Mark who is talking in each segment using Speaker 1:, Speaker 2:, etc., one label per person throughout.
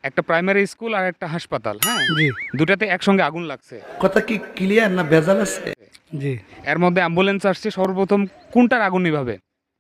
Speaker 1: একটা primary school আর একটা হাসপাতাল, হ্যাঁ
Speaker 2: জি
Speaker 1: দুটাতে একসঙ্গে আগুন লাগছে।
Speaker 3: কথা কি ক্লিয়ার না ভেজাল আছে?
Speaker 2: জি
Speaker 1: এর মধ্যে অ্যাম্বুলেন্স আসছে, সর্বপ্রথম কোনটার আগুন নিভাবে?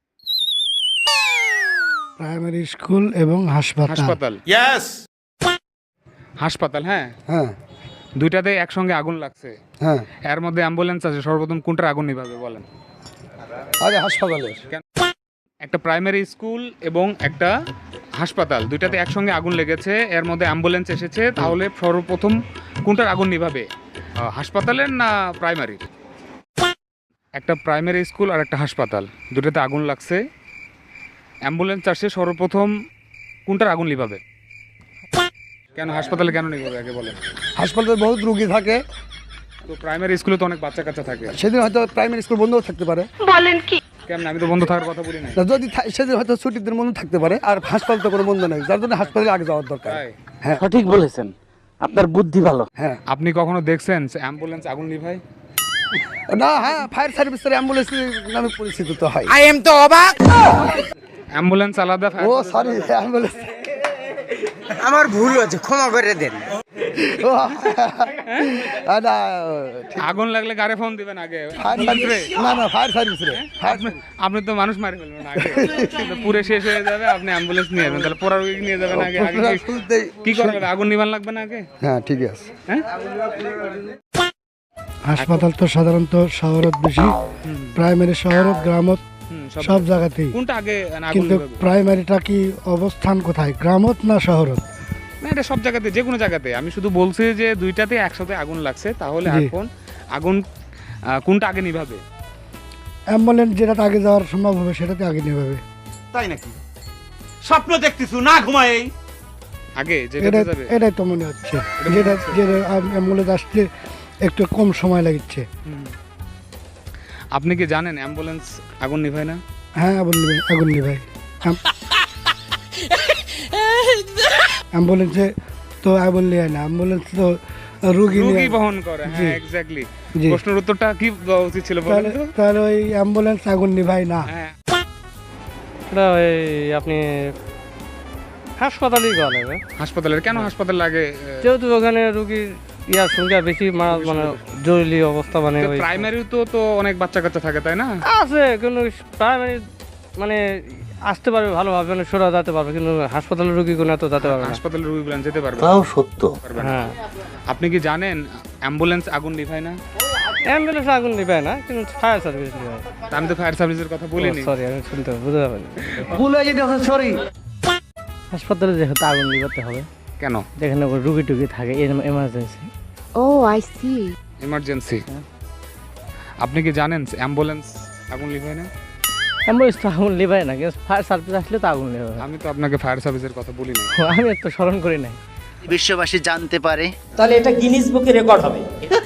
Speaker 2: প্রাইমারি স্কুল এবং হাসপাতাল।
Speaker 1: হাসপাতাল। হাসপাতাল, হ্যাঁ
Speaker 2: হ্যাঁ
Speaker 1: দুইটাতে একসঙ্গে আগুন লাগছে।
Speaker 2: হ্যাঁ
Speaker 1: এর মধ্যে অ্যাম্বুলেন্স আছে, সর্বপ্রথম কোনটার আগুন নিভাবে বলেন?
Speaker 2: আগে হাসপাতালের।
Speaker 1: একটা প্রাইমারি স্কুল এবং একটা হাসপাতাল, দুইটাতে একসঙ্গে আগুন লেগেছে, এর মধ্যে অ্যাম্বুলেন্স এসেছে, তাহলে সর্বপ্রথম কোনটার আগুন নিভাবে? হাসপাতালের না প্রাইমারি? একটা প্রাইমারি স্কুল আর একটা হাসপাতাল, দুটাতে আগুন লাগছে, অ্যাম্বুলেন্স আসছে, সর্বপ্রথম কোনটার আগুন নিভাবে? কেন হাসপাতালে কেন নিভাবে আগে বলেন?
Speaker 2: হাসপাতালে বহুত রোগী থাকে,
Speaker 1: তো প্রাইমারি স্কুলে তো অনেক বাচ্চা কাচ্চা থাকে,
Speaker 2: সেদিন হয়তো প্রাইমারি স্কুল বন্ধও থাকতে পারে।
Speaker 1: কেমন? আমি তো বন্ধ থাকার কথা বলি না।
Speaker 2: যদি সেদিন হয়তো ছুটির দিন বন্ধ থাকতে পারে, আর হাসপাতাল তো কোনো বন্ধ নেই, যার জন্য হাসপাতালে আগে যাওয়ার দরকার।
Speaker 1: তাই?
Speaker 2: হ্যাঁ
Speaker 4: সঠিক বলেছেন, আপনার বুদ্ধি ভালো।
Speaker 2: হ্যাঁ
Speaker 1: আপনি কখনো দেখছেন অ্যাম্বুলেন্স আগুন নিভায়?
Speaker 2: না, হ্যাঁ ফায়ার সার্ভিসের অ্যাম্বুলেন্স নামে পরিচিত তো হয়।
Speaker 1: অ্যাম্বুলেন্স আলাদা,
Speaker 2: ও সরি, অ্যাম্বুলেন্স।
Speaker 4: আমার ভুল হয়েছে, ক্ষমা করে দেন।
Speaker 2: না,
Speaker 1: আগুন লাগলে কারে ফোন দিবেন আগে?
Speaker 2: ফায়ার সার্ভিস না, না ফায়ার সার্ভিস রে।
Speaker 1: আপনি তো মানুষ মারি ফেলবেন আগে, কিন্তু পুরে শেষ হয়ে যাবে, আপনি অ্যাম্বুলেন্স নিয়ে যাবেন, তাহলে পোড়া রোগী নিয়ে যাবেন আগে। আগে কি করা লাগবে? আগুন নিভান লাগবে না আগে?
Speaker 2: হ্যাঁ ঠিক আছে।
Speaker 1: হ্যাঁ,
Speaker 2: হাসপাতাল তো সাধারণত শহরত বেশি, প্রাইমারি শহরত গ্রামত সব জায়গাতেই,
Speaker 1: কোনটা আগে আগুন
Speaker 2: কিন্তু
Speaker 1: নিভাবে?
Speaker 2: প্রাইমারিটা কি অবস্থান কোথায়, গ্রামত না শহরত?
Speaker 1: না, এটা সব জায়গাতে, যে কোনো জায়গাতে। আমি শুধু বলছি যে দুইটাতে একসাথে আগুন লাগছে, তাহলে
Speaker 2: জি।
Speaker 1: এখন আগুন কোনটা আগে নিভাবে?
Speaker 2: অ্যাম্বুলেন্স যেটাতে আগে যাওয়ার সম্ভব হবে সেটাতে আগে নিভাবে।
Speaker 4: তাই নাকি? স্বপ্ন দেখতেছু না ঘুমাই?
Speaker 1: আগে যেটাতে যাবে?
Speaker 2: এটাই তো মনে হচ্ছে, যেটা যেটা অ্যাম্বুলেন্স আসতে একটু কম সময় লাগছে।
Speaker 1: হুম। আপনি কি জানেন অ্যাম্বুলেন্স আগুন নিভায় না?
Speaker 2: হ্যাঁ আগুন নিভাই। অ্যাম্বুলেন্সে তো আগুন নিয়ে না, অ্যাম্বুলেন্স তো রুগী
Speaker 1: রোগী
Speaker 2: নিয়ে।
Speaker 1: বহন করে,
Speaker 2: জি।
Speaker 1: হ্যাঁ এক্স্যাক্টলি।
Speaker 2: জি।
Speaker 1: প্রশ্নের উত্তরটা কি দেওয়া উচিত ছিল বলেন
Speaker 2: তাহলে
Speaker 1: তো?
Speaker 2: তাহলে ওই অ্যাম্বুলেন্স আগুন নিভাই না।
Speaker 1: হ্যাঁ,
Speaker 5: এটা ওই আপনি হাসপাতালেই গেলে,
Speaker 1: হাসপাতালের। কেন হাসপাতাল লাগে?
Speaker 5: যেহেতু ওখানে রুগীর ইয়ার সংখ্যা বেশি, মানে জরুরি অবস্থা, মানে ওই
Speaker 1: প্রাইমারি তো অনেক বাচ্চা কাচ্চা থাকে, তাই না?
Speaker 5: আছে, কিন্তু প্রাইমারি মানে আসতে পারবে ভালোভাবে, মানে সোজা যেতে পারবে, কিন্তু হাসপাতালের রুগী কোনো এত যেতে পারবে না।
Speaker 1: হাসপাতালের রোগীগুলো যেতে পারবে
Speaker 4: তাও সত্য।
Speaker 1: পারবে না।
Speaker 5: হ্যাঁ,
Speaker 1: আপনি কি জানেন অ্যাম্বুলেন্স আগুন নিভায় না?
Speaker 5: অ্যাম্বুলেন্স আগুন নিভায় না, কিন্তু ফায়ার সার্ভিস নিভায়।
Speaker 1: তা আমি তো ফায়ার সার্ভিসের কথা বলিনি।
Speaker 5: সরি, আমি শুনতে বুঝতে পারিনি।
Speaker 4: ভুল হয়ে যেতে সরি।
Speaker 5: হাসপাতালে যেহেতু আগুন নিভাতে হবে,
Speaker 1: কেন?
Speaker 5: যেখানে রুগী টুগী থাকে, emergency.
Speaker 6: Oh, I see.
Speaker 1: Emergency. আপনি কি জানেন অ্যাম্বুলেন্স আগুন নিভায় না?
Speaker 5: অ্যাম্বুলেন্স তো আগুন নিভায় না, কিন্তু ফায়ার সার্ভিস আসলে তো আগুন নিভাবে।
Speaker 1: আমি তো আপনাকে ফায়ার সার্ভিসের কথা বলিনি।
Speaker 5: আমি তো স্মরণ করি নাই।
Speaker 4: বিশ্ববাসী জানতে পারে।
Speaker 7: তাহলে এটা গিনিস বুকে রেকর্ড হবে।